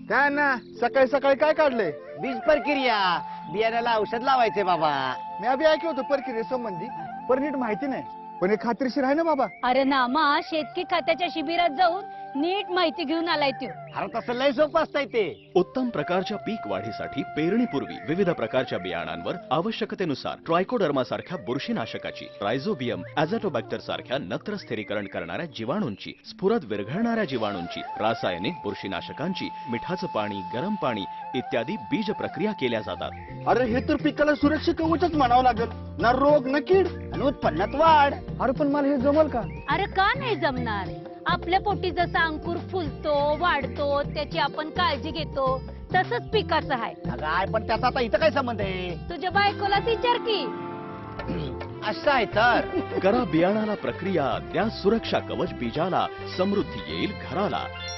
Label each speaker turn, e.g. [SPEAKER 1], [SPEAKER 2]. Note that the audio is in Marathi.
[SPEAKER 1] काय ना सकाळी सकाळी काय काढलंय?
[SPEAKER 2] बीज प्रक्रिया, बियाण्याला औषध लावायचे बाबा.
[SPEAKER 1] मी अभि ऐकलं होतं प्रक्रिये संबंधी, पण नीट माहिती नाही. पण हे खात्रीशीर आहे ना बाबा?
[SPEAKER 3] अरे नामा, शेतकी खात्याच्या शिबिरात जाऊन नीट माहिती घेऊन आलाय तू.
[SPEAKER 2] अरे तसं लय सोपं असतंय ते.
[SPEAKER 4] उत्तम प्रकारच्या पीक वाढीसाठी पेरणीपूर्वी विविध प्रकारच्या बियाणांवर आवश्यकतेनुसार ट्रायकोडर्मा सारख्या बुरशीनाशकाची, रायझोबियम, ॲझॅटोबॅक्टर सारख्या नत्र स्थिरीकरण करणाऱ्या जीवाणूंची, स्फुरद विरघळणाऱ्या जीवाणूंची, रासायनिक बुरशीनाशकांची, मिठाचं पाणी, गरम पाणी इत्यादी बीज प्रक्रिया केल्या जातात.
[SPEAKER 1] अरे हे तर पिकाला सुरक्षित कवचच म्हणावं लागेल ना. रोग ना कीड
[SPEAKER 2] आणि उत्पन्नात वाढ.
[SPEAKER 1] अरे पण मला हे जमल का?
[SPEAKER 3] अरे का नाही जमणार? आपल्या पोटी जसा अंकुर फुलतो, वाढतो, त्याची आपण काळजी घेतो, तसंच पिकाचं आहे.
[SPEAKER 2] काय पण त्याचा आता इथं काय संबंध आहे?
[SPEAKER 3] तुझ्या बायकोला विचार की.
[SPEAKER 2] असं आहे तर.
[SPEAKER 4] करा बियाणाला प्रक्रिया, द्या सुरक्षा कवच बीजाला, समृद्धी येईल घराला.